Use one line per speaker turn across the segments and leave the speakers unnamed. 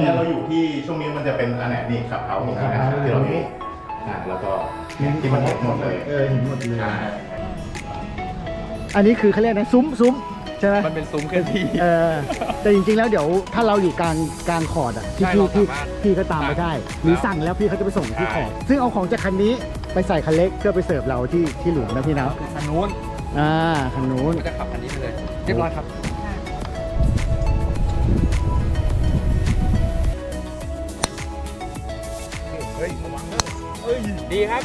นี้เราอยู่ที่ช่วงนี้มันจะเป็นอันไหนนี่ขับเฮาส์นะครับที่เรามีแล้วก็ที่มันเห็นหมดเลย
เห็นหมดเลยอันนี้คือเขาเรียกนะซุ้มใช่ไหม
มันเป็นซุ้มเคลื่อนที่
แต่จริงๆแล้วเดี๋ยวถ้าเราอยู่กลางคอร์ดอ่ะพี่ก็ตามไปได้หรือสั่งแล้วพี่เขาจะไปส่งที่คอร์ดซึ่งเอาของจากคันนี้ไปใส่คันเล็กเพื่อไปเสิร์ฟเราที่หลุมนะพี่นะ
คันนู้น
คันนู้น
ก็จะขับคันนี้ไปเลยเรียบร้อยครับเฮ้ยระวังนะดีครับ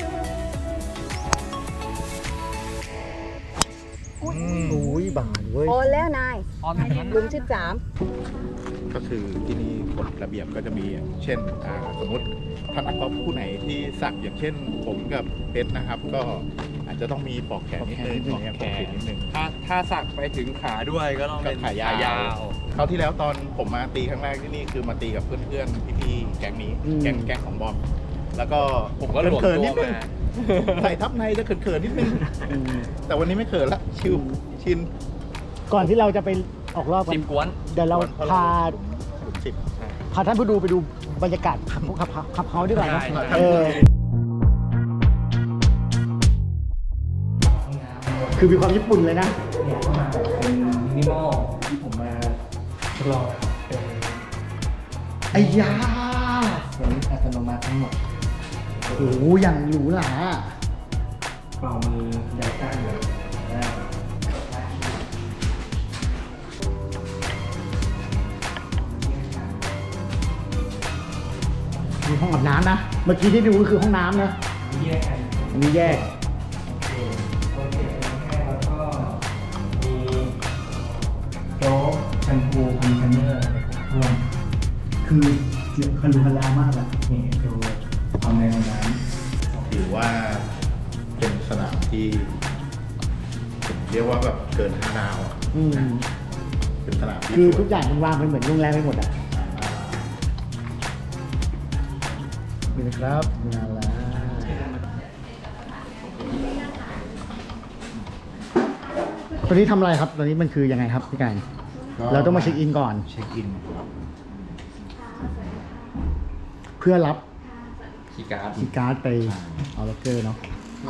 อุ้ยบานเว้ย
โอนแล้วนายลุง13
ก็คือที่นี่กฎระเบียบก็จะมีเช่นสมมติท่านนักกอล์ฟผู้ไหนที่สักอย่างเช่นผมกับเพชรนะครับ ก็อาจจะต้องมีปอกแขนนิดนึงปอกแขนนิดนึง
ถ้าสักไปถึงขาด้วยก็ต้องเป็น
ขายาวคราวที่แล้วตอนผมมาตีครั้งแรกที่นี่คือมาตีกับเพื่อนๆพี่ๆแก๊งนี้แก๊งของบอมแล้วก็
ผมก็หลวมตัวมา
ใส่ทับในจะเขินๆนิดนึงแต่วันนี้ไม่เขินละชิน
ก่อนที่เราจะไปออกรอบกัน
10 กวน
เดี๋ยวเราพาท่านผู้ดูไปดูบรรยากาศขับเฮาดีกว่านะคือมีความญี่ปุ่นเลยนะ
เนี่ยเข้ามาแบบเป็นมินิมอลที่ผมมาทดลองเป็น
ไอ้ยา
เป็นอัตโนมัติทั้งหมด
โอ้โหอย่างหรูหรา
เป่ามือไดต้าเลย
มีห้องอาบน้ำนะเมื่อกี้ที่ดูก็คือห้องน้ำนะ
แยกกัน
อันนี้แยก
โอเคแค่แล้วก็มีโต๊ะแชมพูคอนดิชเนอร์รวม
คือคารุคาลามากอะ
นี่ดูความในห้องน้
ำถือว่าเป็นสนามที่เรียกว่าแบบเกิน5 ดาวเป็นสนามที่
คือทุกอย่างมันวางเป็นเหมือนโรงแรมไปหมดอ่ะนี่นะครับงานละตอนนี้ทำอะไรครับตอนนี้มันคือยังไงครับพี่ไก่เราต้องมาเช็คอินก่อน
เช็คอิน
เพื่อรับ
คีย์
การ์ดไปเอาล็อกเกอร์เนาะ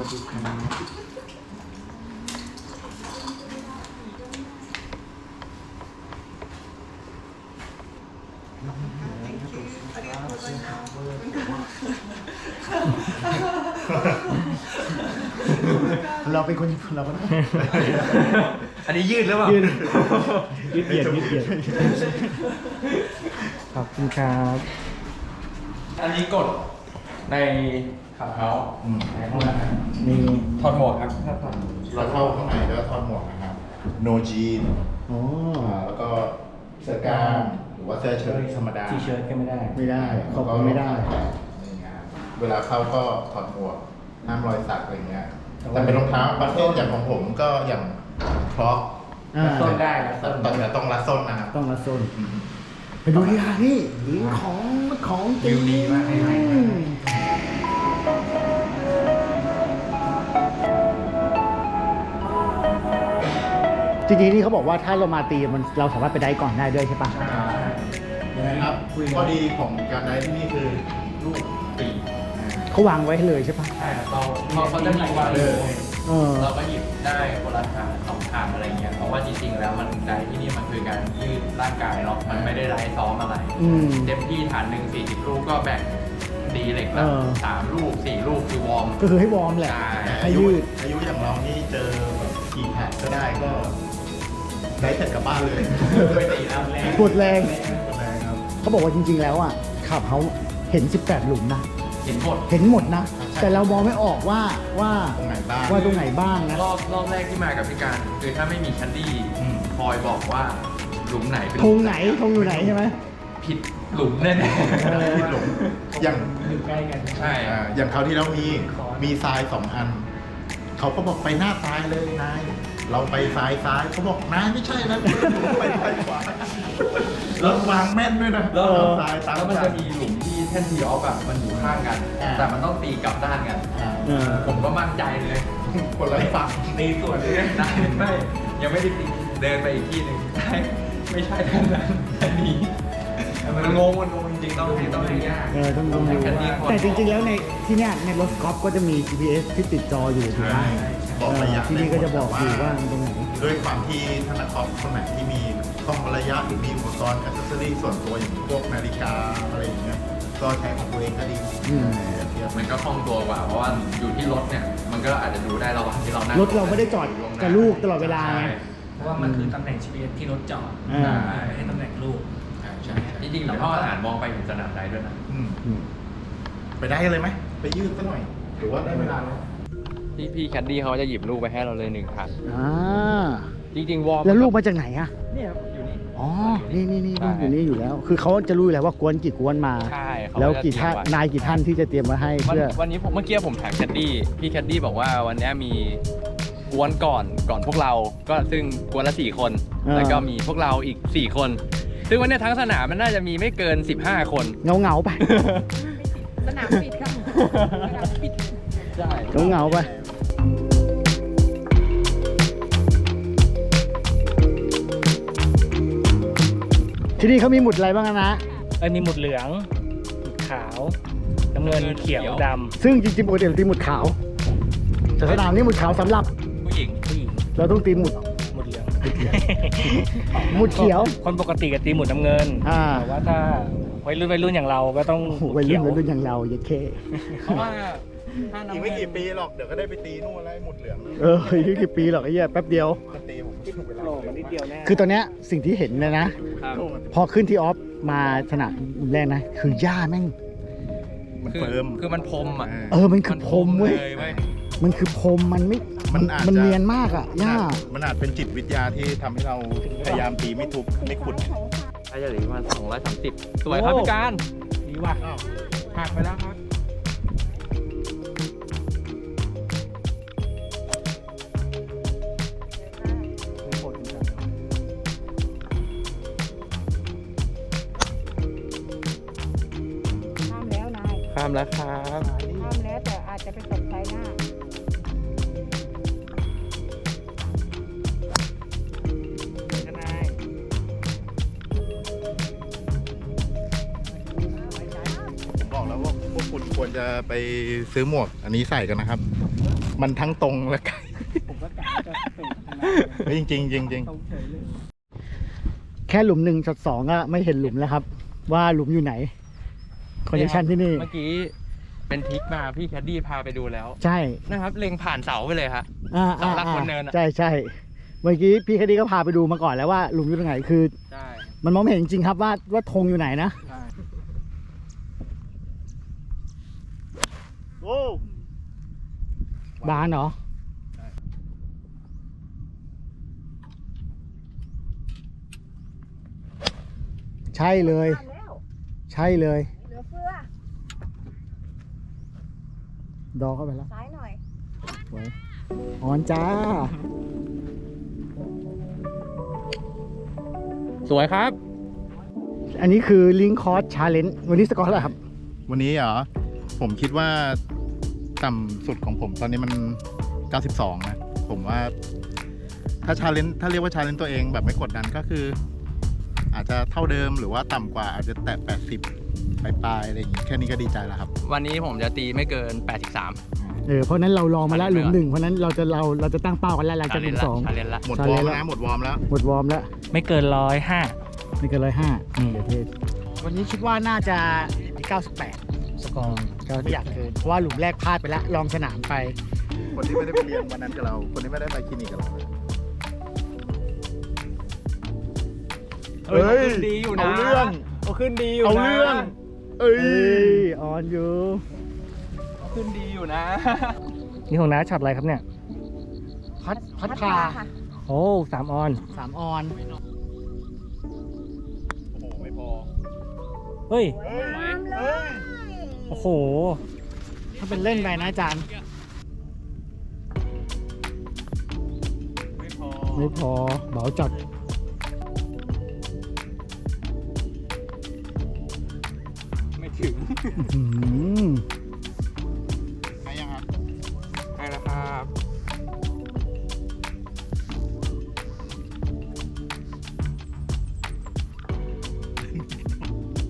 เราเป็นคนเราก็
อันนี้ยืดหรือเปล่า
ยืดเบียดขอบคุณครับ
อันนี้กดในขับเฮาส์ในห้องน้ำ
มี
ถอดหมวกครับ
เราเข้าข้างในก็ถอดหมวกนะครับโนจีนแล้วก็เสื้อกล้ามหรือว่าเสื้อเชิ้ตธรรมดา
ทีเชิ้ตก็ไม่ได้
ขอบคุณไม่ได้
เวลาเข้าก็ถอดหมวกห้ามรอยสักอะไรเงี้ยแต่เป็นรองเท้าบัสเซ่อย่างของผมก็อย่างคล็อก
ส้นได้
ตอนนี้ต้องรัดส้นนะครับ
ต้องรัดส้นไปดูดีค่ะนี่ของจริง
ดีมาก
จริงๆนี่เขาบอกว่าถ้าเรามาตีเราสามารถไปได้ก่อนได้ด้วยใช่ปะ
ครับข้อดีของการได้ที่นี่คือลูกตี
เขาวางไว้ให้เลยใช่ปะ
ใช่เขาจะมีวางเลยเราก็หยิบได้คนละฐาน2 ฐานอะไรเงี้ยเพราะว่าจริงๆแล้วมันได้ที่นี่มันคือการยืดร่างกายเนาะมันไม่ได้ไร้ซ้อมอะไรเต็มที่ฐาน1 40 ลูกก็แบ่งตีเหล็กละ3 ลูก 4 ลูกคือวอร์ม
ก็คือให้วอร์มแหละ
ให้ยืดอายุอย่างเรานี่เจอกี่แพดก็ได้ก็ได้เสร็จกลับบ้านเลย
ไม่ตีแล้วแรง
ปวดแรงเขาบอกว่าจริงๆแล้วอ่ะขับเขาเห็น18 หลุมนะ
เห็น
หมดนะแต่เรามองไม่ออกว่า
ตรงไหนบ้าง
นะรอบแรกที่มากับพี่การคือถ้าไม่มีแคนดี้คอยบอกว่าหลุมไหนเป็น
ธงอยู่ไหนใช่ไหม
ผิดหลุมแน่
ผิดหลุมอย่าง
อยู่ใกล้กัน
ใช่
อย่างเขาที่เรามีทราย2 อันเขาก็บอกไปหน้าซ้ายเลยนายเราไปซ้ายเขาบอกนายไม่ใช่นะไปขวาแล้ววางแม่นด้วยนะ
แล้วซ้ายแล้วมันจะมีหลุมที่แท่นทีออฟอะมันอยู่ข้างกันแต่มันต้องตีกลับด้านกันผมก็มั่นใจเลย
คนละฝั่ง
ตีส่วนเลยได้ไม่ยังไม่ได้ตีเดินไปอีกที่หนึ่งไม่ใช่ท่านนั้นท่านนี้มันงงจริงๆต้องให้ยาก
ต้องดูแต่จริงๆแล้วในที่เนี้ยในรถกอล์ฟก็จะมี GPS ที่ติดจออยู่ถูกไหม
บอกระยะ
ที่นี่ก็จะบอกอยู่ว่าตรงไหน
ด้วยความที่ธนาคารคนไหนที่มีกล้องระยะหรือมีอุปกรณ์อัซเซอรี่ส่วนตัวอย่างพวกนาฬิกาอะไรอย่างเงี้ยก็ใช้ของตัวเองก็ดี เทียบ
มันก็คล่องตัวกว่าเพราะว่าอยู่ที่รถเนี่ยมันก็อาจจะดูได้ระหว่างที่เรานั่ง
รถเราไม่ได้จอดกับลูกตลอดเวลาไง
เพราะว่ามันคือตำแหน่ง GPS ที่รถจอด
อ่า
ไม่ใช่ตำแหน่งลูก
ใช่จริงๆแล้วพ่ออ่านมองไปเห็นสนามได้ด้วยนะ
ไปได้เลยไหมไปยืดซะหน่อยหรือว่าได้เวลาแล้ว
พี่แคดดี้เขาจะหยิบลูกไปให้เราเลย1 คัน
อ่า
จริงๆวอร์ม
แล้วลูกมาจากไหนอ่ะ
เนี่ยอยู่นี่
อ๋อ นี่
ใช่
อยู่นี่อยู่แล้ว คือเขาจะรู้อยู่แล้วว่ากวนกี่กวนมา
ใช่เขา
แล้ว
จะ
กี่ท่าน
เตรียมไว้
นายกี่ท่านที่จะเตรียมมาให้เพื่อ
วันนี้เมื่อกี้ผมถามแคดดี้พี่แคดดี้บอกว่าวันนี้มีกวนก่อนพวกเราก็ซึ่งกวนละ4 คน
อ่า
แล้วก็มีพวกเราอีก4 คน ซึ่งวันนี้ทั้งสนามมันน่าจะมีไม่เกิน15 คน
เงาไป
สนามปิดค่ะสนามปิด
ใช่
เงาไป ที่นี่เขามีหมุดอะไรบ้างนะ
มีหมุดเหลือง หมุดขาว น้ำเงิน เขียว ด
ซึ่งจริงๆปกติเราตีหมุดขาวแต่สนามนี้หมุดขาวสำหรับ
ผู้หญิง
ำผู้หญิง
เราต้องตีหมุด
หมุดเหลือง
หมุดเขียว
คนปกติก็ตีหมุดน้ำเงิน
อ่า
แต่ว่าถ้าวัยรุ่นอย่างเราก็ต้องหมุด
วัย
เขียว
รุ่นอย่างเราอย่าเค
เพราะว่าถ้า
อีก
น้ำ
ไม่
เงิ
กี่
น
ปีหรอกเดี๋ยวก็ได้ไปตีนู่นแล้วไอ้หมุดเหลือง
อีกกี่ปีหรอกไอ้เหี้ยแป๊บเดียว
ก็ตีผมคิดถึงเวลา
โลมันนิดเดียวแน่
คือตอนเนี้ยสิ่งที่เห็นเลยนะ
ครับ
พอขึ้นที่ออฟมาสนามแรกนะ คือหญ้าแม่ง
มัน
คือ
เฟิร์ม
คือมันพรมอ่ะ
มันคือพรมเว้ย
ลเว้ย
มันคือพรมมันไม่
มันอาจจะ
มันเนียนมากอ่ะหญ้า
มันอาจเป็นจิตวิทยาที่ทำให้เราพยายามตีไม่ทุบไม่ขุด
น่าจะเหลือประมาณ230 สวยครับพี่การ
ดีว่ะ
หักไปแล้วครับ
ข้ามแล้วนาย
ข้ามแล้วครับ
ข้ามแล้วแต่อาจจะไปตกใจหน้า
ผมบอกแล้วว่าพวกคุณควรจะไปซื้อหมวกอันนี้ใส่กันนะครับ มันทั้งตรงและไกล
ผมก็กะจะเปิดทาง
เฮ้ยจริงๆจริง
ตรงเฉยเลย
แค่หลุม1 2ก็ไม่เห็นหลุมแล้วครับ ว่าหลุมอยู่ไหนคอนดิชันที่นี่
เมื่อกี้เป็นทริกมาพี่แคดดี้พาไปดูแล้ว
ใช่
นะครับ เล็งผ่านเสาไปเลยฮะ เสาหลักบนเนินอะ
ใช่ใช่เมื่อกี้พี่แคดดี้ก็พาไปดูมาก่อนแล้วว่าหลุมอยู่ตรงไหนคือ
ใช่
มันมองไม่เห็นจริงๆครับว่าธงอยู่ไหนนะ
ใช่
โอ้
บานเหรอ ใช่เลย
ข้ามแล้ว
ใช่เลย
เหลือเฟือ
ดอเข้าไปแล้ว
ซ้ายหน่อย
สวยออนจ้า
สวยครับ
อันนี้คือลิงคอร์สชาเลนจ์วันนี้สกอร์อะไรครับ
วันนี้เหรอ ผมคิดว่าต่ำสุดของผมตอนนี้มัน 92 นะ ผมว่า ถ้าชาเลนจ์ถ้าเรียกว่าชาเลนจ์ตัวเองแบบไม่กดดันก็คือ อาจจะเท่าเดิมหรือว่าต่ำกว่าอาจจะแตะ80ปลายๆอะไรอย่างงี้แค่นี้ก็ดีใจแล้วครับ
วันนี้ผมจะตีไม่เกิน 83
เพราะนั้นเราลองมาแล้วหลุม1เพราะนั้นเราจะตั้งเป้ากันแล้วหลังจากหลุม
ชาเลนจ์ละ
หมด
ชาว
อ
เล
ร์
นจ์ละ
มแล้วนะหมดวอร์มแล้ว
หมดวอร์มแล้ว
ไม่เกิน105
ไม่เกิน105เดี๋ยวเทศวันนี้คิดว่าน่าจะ98
สกอร์
ก็ไม่อยากเกินเพราะว่าหลุมแรกพลาดไปแล้วลองสนามไป
คนที่ไม่ได้ไปเรียนวันนั้นกับเรา คนที่ไม่ได้ไปคลินิกกับเรา
เฮ้ยดีอยู่นะ
เอาเรื่อง
เอาขึ้นดีอยู่นะ
เอาเรื่อง เอ้ย
ออนอยู่
เอาขึ้นดีอยู่นะ
นี่ของน้าช็อตอะไรครับเนี่ย
พัดพา
ค่ะ
โอ้3 ออน
3 ออน
โอ้โห ไม่พอ
เฮ้ย
สวยงามเลย
โอ้โห
ถ้าเป็นเล่นไปนะอาจารย์
ไม่พอ
ไม่พอเบาจัด
ไม่ถึง
อื้อหือ
ให้ยังครับ
ให้แล้วครับ
เ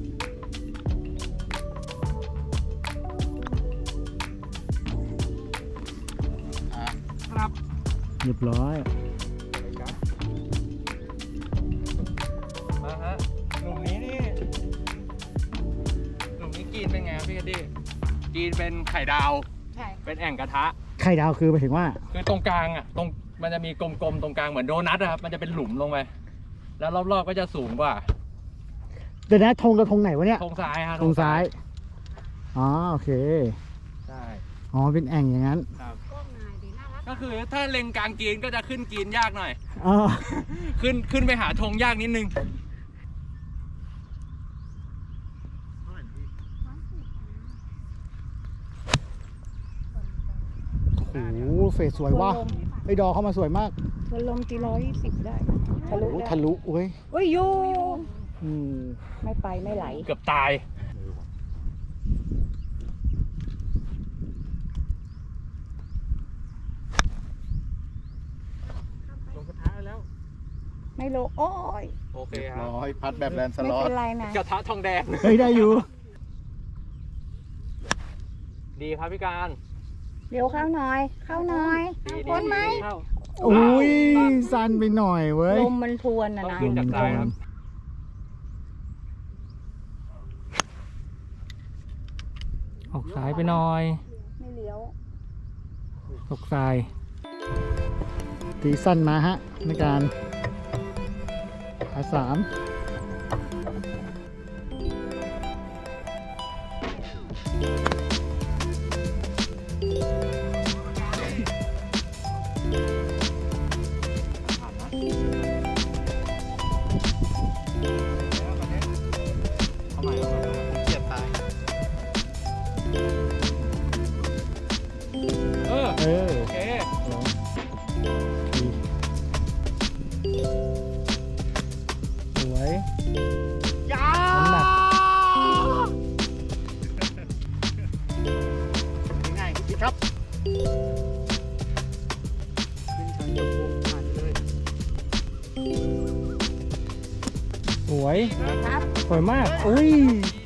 เรียบร้อย
มาฮะหลุมนี้นี่หลุมนี้กรีนเป็นไงครับพี่แคดดี้กรีนเป็นไข่ดาว
ใช่
เป็นแอ่งกระทะ
ไข่ดาวคือหมายถึงว่า
คือตรงกลางอ่ะตรงมันจะมีกลมๆตรงกลางเหมือนโดนัทอะครับมันจะเป็นหลุมลงไปแล้วรอบๆก็จะสูงกว่า
เดี๋ยวนะธงกับธงไหนวะเนี่ย
ธงซ้ายฮะ
ธงซ้าย อ๋อโอเค
ใช่
อ๋อเป็นแอ่งอย่างนั้น
ครับ
กล้องนายดีน่ารัก
ก็คือถ้าเล็งกลางกรีนก็จะขึ้นกรีนยากหน่อย
อ๋อ
ขึ้นไปหาธงยากนิดนึง
โอ้โหเฟสสวยว่ะไอ้ดอเข้ามาสวยมาก
วันลมกี่120ได้ทะลุ
โอ้โห
ได้
ทะลุเว้ย
โอ้ยอยู่
อืม
ไม่ไปไม่ไหล
เกือบตายลงกระทะแล้ว
ไม่ลงโอ้ย
โอเคครับ
ร้อยพัดแบบแลนส
ไม่
ล็อต
เป็นไรนะ
กระทะทองแดง
เฮ้ยได้อยู่
ดีครับพี่การ
เดี๋ยวเข้าหน่อย เข้าหน่อย
ดี
พ้นไหม
เข้า
อุ้ยสั้นไปหน่อยเว้ย
ลมมันทวนนะ
ต้อง
นะ
ขึ้นจากซ้ายครับ
ออกซ้ายไปหน่อย
ไม่เลี้ยว
ตกซ้าย
ตีสั้นมาฮะในการขา3
เข้ามา
เกียดตาย
เออ
เออ
โอเค
สวย
ยา
น้ำหนัก
ง่ายๆครับขึ้นชั้นจบปุ๊บผ่านเลย
สวย
ครับ
สวยมาก อุ้ย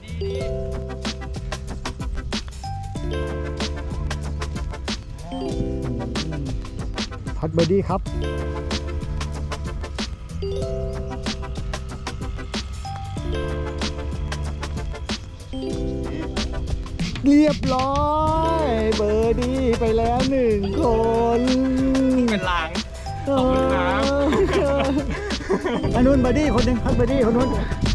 พัดเบอร์ดี้ครับ เรียบร้อย เบอร์ดี้ไปแล้ว1 คน
เป็นลาง ขอบคุณครับ
อันนู้นเบอร์ดี้คนหนึ่งพัดเบอร์ดี้คนนู้น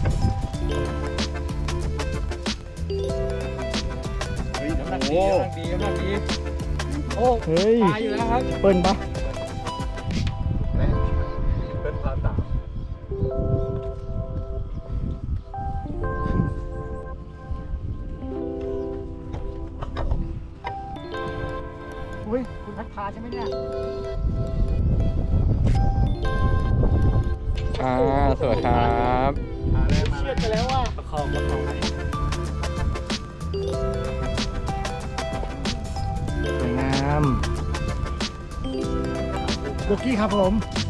น้ำหนักดีน้ำหนักดีน้ำหนักดีโอ้
เฮ้ย
ตายอยู่แล้วครับ
เปิ้ลปะ
เป็นภาษา
อุ้ยคุณพัดพาใช่ไหมเนี่ย
สวัสดีครับ
เชื่อไปแล้วว่า
ประคองให้ สวยงาม
โบกี้ครับผม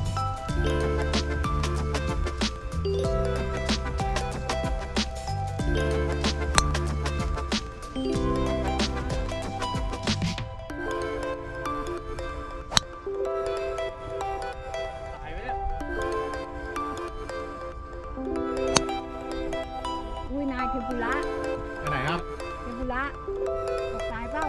ตายไหมเนี่ย
อุ้ยนายเทมปุระ
ไปไหนครับ
เทมปุระออกซ้ายเปล่า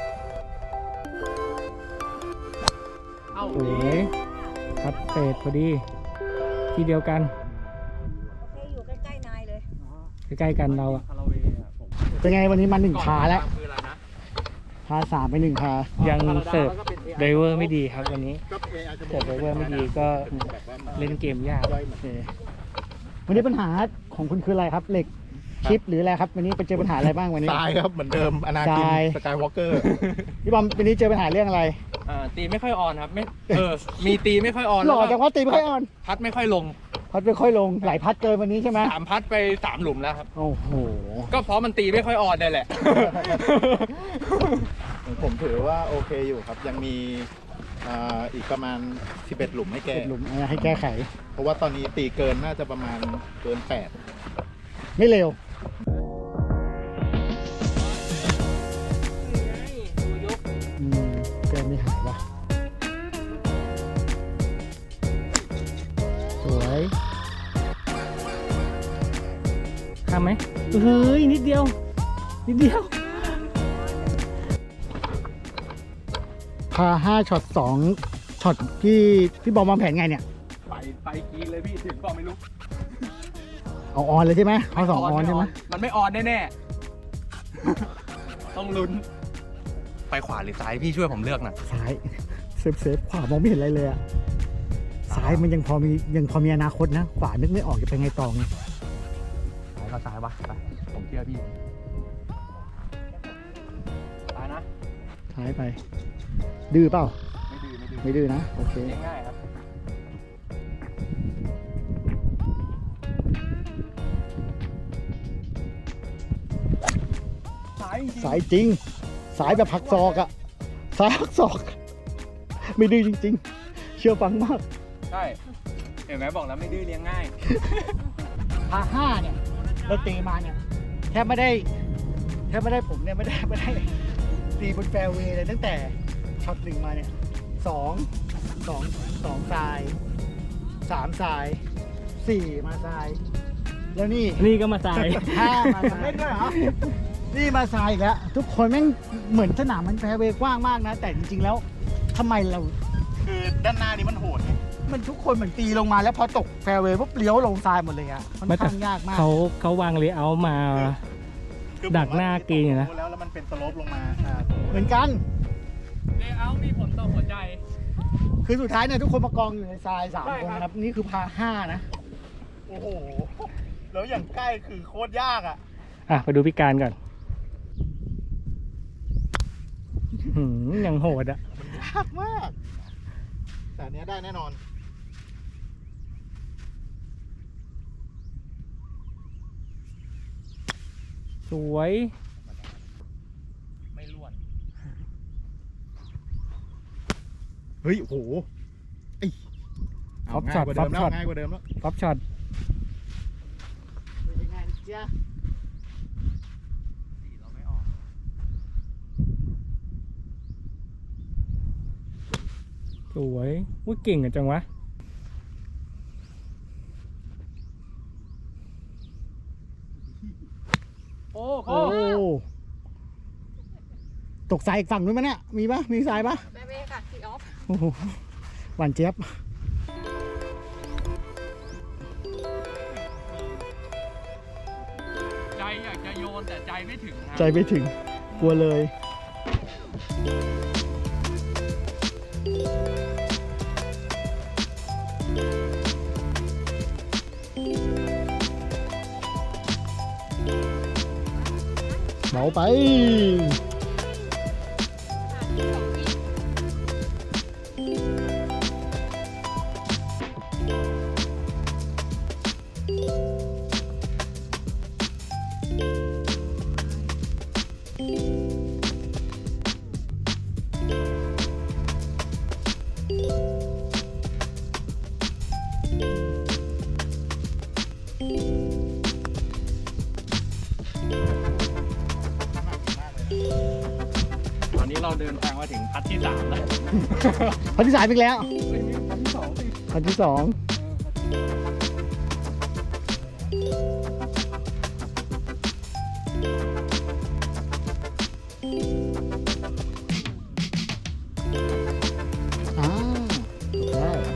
เอ้า
สวยคัดเศษพอดี ที่เดียวกัน
โอเคอยู่ใกล้ๆนายเลย
ใกล้ๆกันเราอะ
คาราเวย์อะผม
เป็นไงวันนี้มา1 พาแล้ว
คืออะไรนะ
พา3ไป1 พา
ยังเสิร์ฟไดเวอร์ไม่ดีครับวันนี้
ก็เออาจจะบ
เสิ
อ
ร์
ก
ฟไดเวอร์ไม่ดีก็
แบบว่ามา
เล่นเกมยาก
ย่อยเหมือน
โอเควันนี้ปัญหาของคุณคืออะไรครับ เหล็กชิปหรืออะไรครับ วันนี้ไปเจอปัญหาอะไรบ้างวันนี้
ทรายครับเหมือนเดิมอนาคิน
ทราย
สกายวอล์กเกอร์
พี่บอมวันนี้เจอปัญหาเรื่องอะไร
ตีไม่ค่อยออนครับไม่มีตีไม่ค่อยออน
หล่อ
แล้วก็
จังว่าตีไม่ค่อยอ่อน
พัดไม่ค่อยลง
พัดไม่ค่อยลงไหลพัดเกินวันนี้ใช่ไหม
3 พัดไป 3 หลุมแล้วครับ
โอ้โห
ก็เพราะมันตีไม่ค่อยออนนี่แหละ
ผมถือว่าโอเคอยู่ครับ ยังมีอีกประมาณ 11 หลุมให้แก้
หลุมให้แก้ไข
เพราะว่าตอนนี้ตีเกินน่าจะประมาณเกิน
ไม่เร็ว อืมเกินไม่หายว่ะ
ามไหมเฮ้ยนิดเดียวนิดเดียว
พา5ช็อต2ช็อตพี่บอมวางแผนไงเนี่ย
ไปกินเลยพี่ถึงก็ไม่รู้
เอาออนเลยใช่ไหมเอา2ออนใช่ไหม
มันไม่ออนแน่ๆต้องลุ้นไปขวาหรือซ้ายพี่ช่วยผมเลือกหน่อย
ซ้ายเซฟขวามองไม่เห็นอะไรเลยอะซ้ายมันยังพอมีอนาคตนะขวานึกไม่ออกจะไปไงต่อไง
ซ้ายก็ซ้ายวะไปผมเชื่อพี่ซ้ายนะ
ซ้ายไป ดื้อเปล่า
ไม่ดื้อ
ไม่ดื้อนะโอเค
เลี้ยงง่ายครับซ้ายจริง
สายจริงสายแบบผักศอกอะสายผักศอก ไม่ดื้อจริงๆ เชื่อฟังมาก
ใช่เห็นไหมบอกแล้วไม่ดื้อเลี้ยงง่าย
พา5เนี่ยเราตีมาเนี่ยแทบไม่ได้ผมเนี่ยไม่ได้ตีบนแฟร์เวย์เลยตั้งแต่ช็อต1มาเนี่ย2ทราย3ทราย4มาทรายแล้วนี่
นี่ก็มาตาย
5มาทรายเล่นด้วยเหรอนี่มาทรายอีกแล้วทุกคนแม่งเหมือนสนามมันแฟร์เวย์กว้างมากนะแต่จริงๆแล้วทำไมเราคือด้านหน้านี้มันโหดไงมันทุกคนเหมือนตีลงมาแล้วพอตกแฟร์เวย์ปุ๊บเลี้ยวลงทรายหมดเลยอะค่อนข้างยากมาก
เขาวางเลเยอร์มา ดักหน้ากรีนอยู่นะ
แล้วมันเป็นสโลปลงมา
เหมือนกัน
เลเยอร์มีผลต่อหัวใจ
คือสุดท้ายเนี่ยทุกคนมากองอยู่ในทราย3
ใช่
คน
ครับ
นะครับนี่คือพา5นะโอ้โหแล้วอย่างใกล้คือโคตรยากอะ
อ่ะไปดูพิการก่อนยังโหดอ่ะ
ยากมากแต่อันเนี้ยได้แน่นอน
สวย
ไม่ล้วน
เฮ้ยโอ้โห
ฟ็อปช็อตฟ็อปช็อต
ง่ายกว่าเดิมแล้ว
ฟ็อปช็อต
เป็นยังไงเจ๊ะ
สีเราไม่ออก
สวยอุ้ยเก่งกันจังวะ
โอ้
โอ้ตกทรายอีกฝั่งนู้นมั้ยเนี่ยมีปะมีทรายปะ
แม่เมย์ค่ะทีออฟ
โอ้โหหวานเจี๊ยบ
ใจอยากจะโยนแต่ใจไม่ถึงครับ
ใจไม่ถึงกลัวเลย เบาไป
ตอนนี้เราเดินทางมาถึงพัทที่3แล้ว
พันที่สามอีกแล้ว
เฮ้ยมีพัทที่2สิ
พันที่สองอ่าโอเค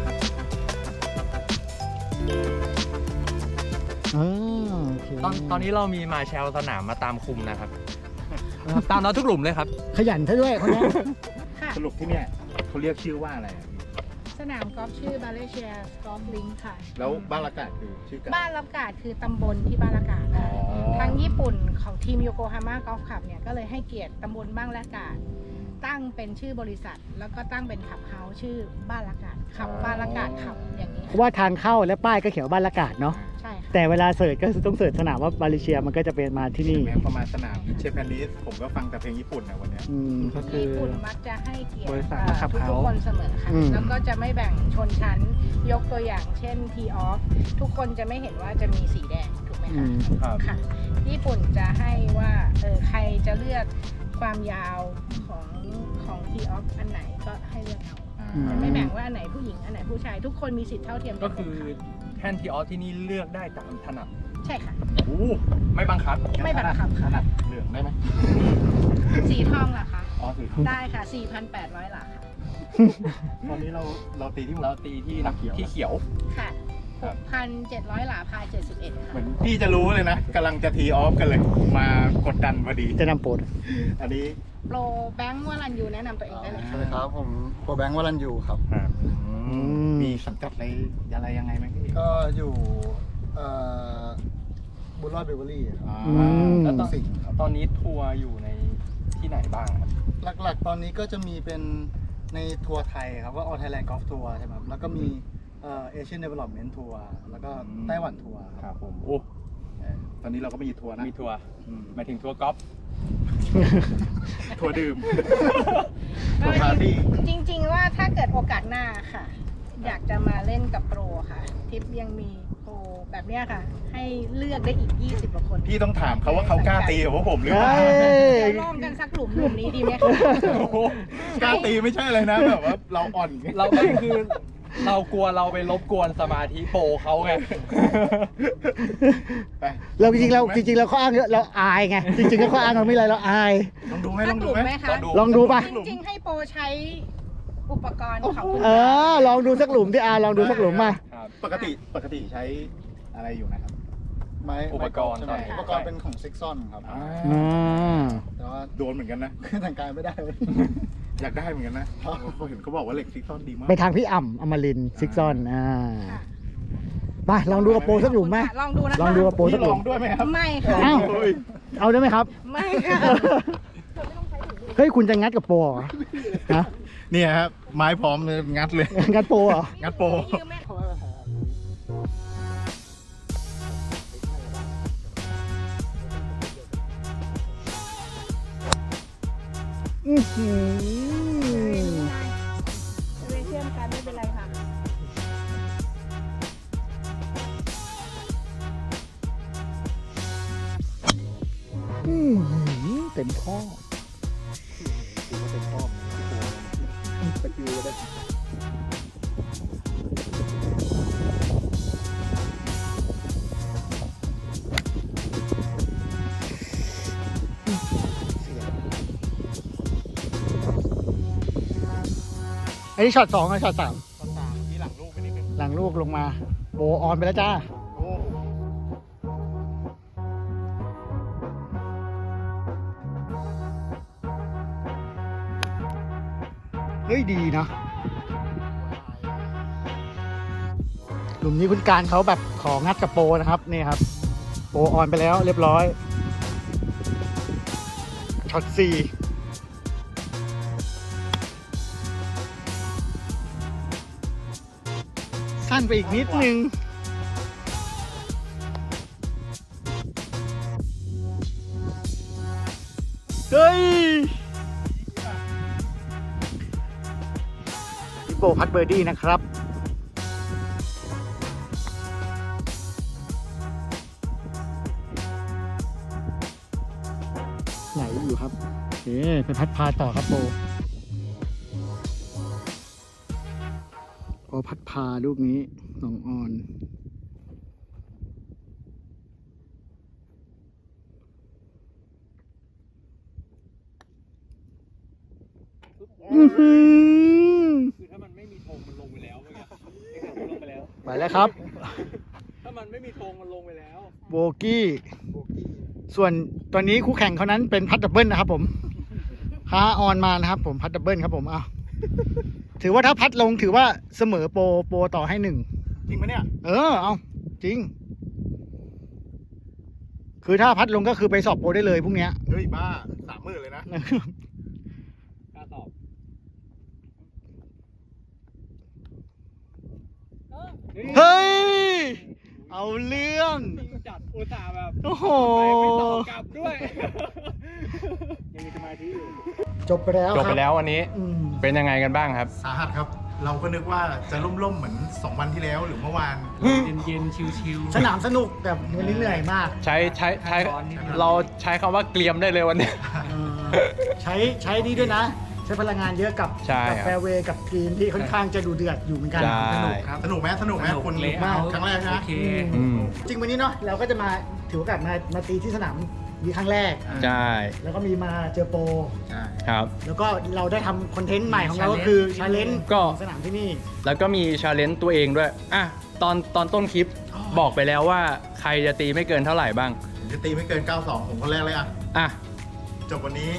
โอเค
ตอนนี้เรามีมาแชลสนามมาตามคุมนะครับ ตามเราทุกหลุมเลยครับ
ขยันซะด้วยคนนี้
ค่ะ
สรุปที่เนี่ยเขาเรียกชื่อว่าอะไรอะพี่
สนามกอล์ฟชื่อบาเลเชียกอล์ฟลิงค์ค่ะ
แล้วบ้านละกาดคือชื่อกัน
บ้านรับกาดคือตำบลที่บ้านละกาดค่ะ
อ๋อ
ทางญี่ปุ่นของทีมโยโกฮาม่ากอล์ฟคลับเนี่ยก็เลยให้เกียรติตำบลบ้านละกาดตั้งเป็นชื่อบริษัท แล้วก็ตั้งเป็นขับเฮาส์ชื่อบ้านละกาดขับบ้านละกาดขับอย่างนี้
เพราะว่าทางเข้าและป้ายก็เขียนว่าบ้านละกาดเนาะ
ใช่ค่ะ
แต่เวลาเสิร์ชก็คือต้องเสิร์ชสนามว่ามาเลเซียมันก็จะเป็นมาที่นี่
แม้ประมาณสนามเชฟแพนดิสผมก็ฟังแต่เพลงญี่ปุ่นนะวันเนี้ย
อืม
ก็คือ
ญี่ปุ่นมักจะให้เกียรติ
บริษัทมาขับ
ทุก
เฮาส์
คนเสมอค่ะ
อืม
แล้วก็จะไม่แบ่งชนชั้น ยกตัวอย่างเช่นทีออฟทุกคนจะไม่เห็นว่าจะมีสีแดงถูกไหม
อื
คะ
ม
ครับ
ค่ะ ญี่ปุ่นจะให้ว่าใครจะเลือกความยาวของทีออฟอันไหนก็ให้เลือกเอา
อืม
จะไม่แบ่งว่าอันไหนผู้หญิงอันไหนผู้ชายทุกคนมีสิทธิ์เท่าเทียม
ก็
น
คือ
หมดะ
แท่นที่ออสที่นี่เลือกได้ตามถนัด
ใช่ค่ะ
โอ้
ไม่บังคับ
ไม่บังคับ
ข
ค่ะ
นาดเหลืองได้ไหม
สีทองล่ะคะ
อ๋อสีทอง
ได้ค่ะ 4,800 หลาค่ะ
ตอนนี้เราตีที่หมด
เราตีที่ที่เขียว
ค่ะ
ครับ
6,700 หลาพาย71
เห
ค่ะ
มือนพี่จะรู้เลยนะกำลังจะทีออฟกันเลย มากดดันพอดี
จะนำโปรด
อันนี้
โปรแบงค์วรันยูแนะนำตัวเองได้เลย
ส
ค่ะ
วัสดีครับผมโปรแบงค์วรันยูครับ
มีสังกัดอะไรยังไงไหมพี่
ก็อยู่บุญรอดเบเวอรี่ครับ
แล้วตอน
สิ่งครับ
ตอนนี้ทัวร์อยู่ในที่ไหนบ้างครับ
หลักๆ ตอนนี้ก็จะมีเป็นในทัวร์ไทยครับว่าออ Thailand Golf Tour ใช่ไหมครับแล้วก็มีAsian Development Tour แล้วก็ไต้หวันทัวร์
ค
ครับ
รับผมโอ้
ตอนนี้เราก็มีทัวร์นะ
มีทัวร์
อืม
หมายถึงทัวร์กอล์ฟ
ทัวร์ดื่ม ทัวร์ปาร์ตี้
จริงๆว่าถ้าเกิดโอกาสหน้าค่ะ อยากจะมาเล่นกับโปรค่ะ ทิปยังมีโปรแบบเนี้ยค่ะ ให้เลือกได้อีก 20 กว่าคน
พี่ต้องถามเขาว่าเขากล้าตีกับพวกผมหรือเปล่า
เฮ้ย
เดี๋ยวลองกันสักหลุมนี้ดีไหมคะ
โอ้โหกล้าตีไม่ใช่เลยนะแบบว่าเราอ่อน
เราไม่คือเรากลัวเราไปรบกวนสมาธิโปรเขาไง
ไป
เราจริงๆเราเขาอ้างเยอะเราอายไง จริงๆแล้วเขาอ้างเราไม่ไรเราอาย
ลองดูไหม
สั
ลอก ง
ห
ดู
ลุม
ไหม
ไหมคะ
ลองดูป่ะ
จริงๆให้โปรใช้อุปกรณ์ของคุณ
ลองดูสักหลุมที่ลองดูสักหลุมมา
ครับ
ปกติใช้อะไรอยู่นะครับ
ไม้
อุปกรณ์
ใช่ไหม
ตอนนี้
อุปกรณ์เป็นของซิกซอนครับ
อ่า
อ่า
แต่ว่า
โดนเหมือนกันนะ
แต่งกายไม่ได้
อยากได้เหมือนกันนะเห็นเขาบอกว่าเหล็กซิกซอนดีมาก
ไปทางพี่อ่ำอมรินทร์ซิกซอน
ค่ะ
ไปลองดูกับโปรสักหลุมไหม
ลองดูนะคะ
ลองดูกับโปรสั
พี่
กห
ล
ลุ
อง
ม
ด้วยไหมครับ
ไม่ค่ะ
อ้าว
โอ้ย
เอาได้ไหมครับ
ไม่ค่ะ
เฮ้ยคุณจะงัดกับโปรเหรอฮะ
เนี่ยครับไม้พร้อมเลยงัดเลย
งัดโปรเหรอ
งัดโปร
ยืมไหม
อื้อหือ
ไม่เชื่อมกันไม่เป็นไรค่ะ
อื้อหือเต็มข้อตะกิ้วเลย อันนี้ช็อต 2กับช็อต 3
ตอนสามที่หลังลูกไปนิดนึง
หลังลูกลงมาโบออนไปแล้วจ้า
โอ้
เฮ้ยดีนะหลุมนี้คุณการเขาแบบของัดกับโปรนะครับนี่ครับ โปรออนไปแล้วเรียบร้อยช็อต 4สั้นไปอีกนิดนึง เฮ้ยพี่โปพัดเบอร์ดี้นะครับ ไหนอยู่ครับโอเคไปพัดพาต่อครับโปพัดพาลูกนี้น้องออน อื้อหือ
คือถ้ามันไม่มีธงมันลงไปแล้วเมื่อกี้ลงไปแล้ว
ไปแล้วครับ
ถ้ามันไม่มีธงมันลงไปแล้ว
โบกี้ ส่วนตอนนี้คู่แข่งเขานั้นเป็นพัดดับเบิลนะครับผมพาออนมานะครับผมพัดดับเบิลครับผมถือว่าถ้าพัดลงถือว่าเสมอโปรต่อให้ 1
จริงปะเนี่ย
เอาจริง คือถ้าพัดลงก็คือไปสอบโปรได้เลยพรุ่งเนี้ย
เฮ้ยบ้า30,000เลยนะ
กล้าตอบ
เฮ้ย เอาเรื่อง
จัดอุตส่าห์แบบ
โอ้โห
ไม่ตอบกลับด้วย ยังมีสมาธิอยู่
จบไปแล้ว
จบไปแล้ววันนี้
อืม
เป็นยังไงกันบ้างครับ
สาหัสครับ เราก็นึกว่าจะล่มๆเหมือน2 วันที่แล้วหรือเมื่อวาน
เย็นๆชิว
สนามสนุกแต่วันนี้เหนื่อยมาก
ใช้เราใช้คำว่าเกรียมได้เลยวันนี้
ใช้นี่ด้วยนะ สช้พลังงานเยอะกับ
ใช่ครับ
แฟร์เวย์กับกรีนที่ค่อนข้างจะดูเดือดอยู่เหมือนกัน
ใช่
สนุกครับ
สนุกไหมสนุกไหมคุณ
เลย
มา
เอา
ครั้งแรก
โอ
นะ
เค
อืม
จริงวันนี้เนาะเราก็จะมาถือโอกาสมาตีที่สนามนี้ครั้งแรก
ใช่
แล้วก็มีมาเจอโปร
ใช่
ครับ
แล้วก็เราได้ทำคอนเทนต์ใหม่ของเราก็คือชาเลนจ์
ก็
สนามที่นี่
แล้วก็มีชาเลนจ์ตัวเองด้วยอ่ะตอนต้นคลิปบอกไปแล้วว่าใครจะตีไม่เกินเท่าไหร่บ้าง
ผมจะตีไม่เกิน 92 ผมคนแรกเลยอ่ะ
อ่ะ
จบวันนี้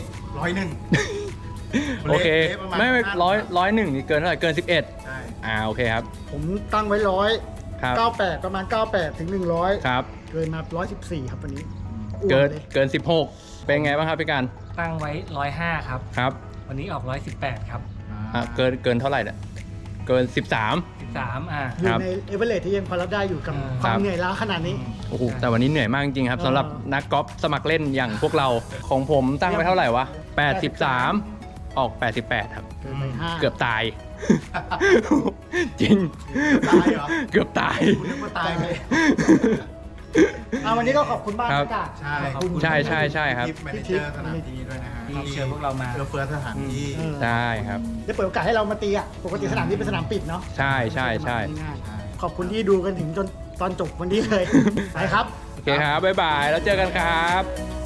101
โอเค
ละประมาณ
ไม่
50
ร้อยหนึ่งนี่เกินเท่าไหร่เกิน 11
ใช่
โอเคครับ
ผมตั้งไว้
ครับ
98ประมาณ 98 ถึง 100
ครับ
เกินมา 114 ครับวันนี้
เกิน
อ้วนเลย
เกิน 16 เป็นไงบ้างครับพี่การ
ตั้งไว้ 105 ครับ
ครับ
วันนี้ออก 118 ครับ
เกินเท่าไหร่เนี่ยเกิน 13
13
อยู่
ครับ
ในเอเวอเรสที่ยังพอรับได้อยู่กับ
ครับ
ความเหนื่อยล้าขนาดนี้
โอ้โหแต่วันนี้เหนื่อยมากจริงๆครับ
เออ
สำหรับนักกอล์ฟสมัครเล่นอย่างพวกเราของผมตั้งไว้เท่าไหร่วะ 83 ออก 88 ครับ
เกินไป5
เกือบตาย จริง
ตายเหรอ
เกือบตาย
คุณนึกว่าตายไป
วันนี้ก็ขอบคุณบ้าน
ครับ
อากาศ
ใช่
ขอบคุณ
ใช่ครับ
ทิปแมเนเจอร์สนามที่ด้วยนะฮะ
ที่เชิญพวกเรามา
เฟื้อสถานที่
เออ
ใช่ครับ
ได้เปิดโอกาสให้เรามาตีอ่ะ ปกติสนามนี้เป็นสนามปิดเนาะ
ใช่ใช่
ง่ายๆขอบคุณที่ดูกันถึงจนตอนจบวันนี้เลย ไปครับ
โอเคครับ บ๊ายบาย แล้วเจอกันครับ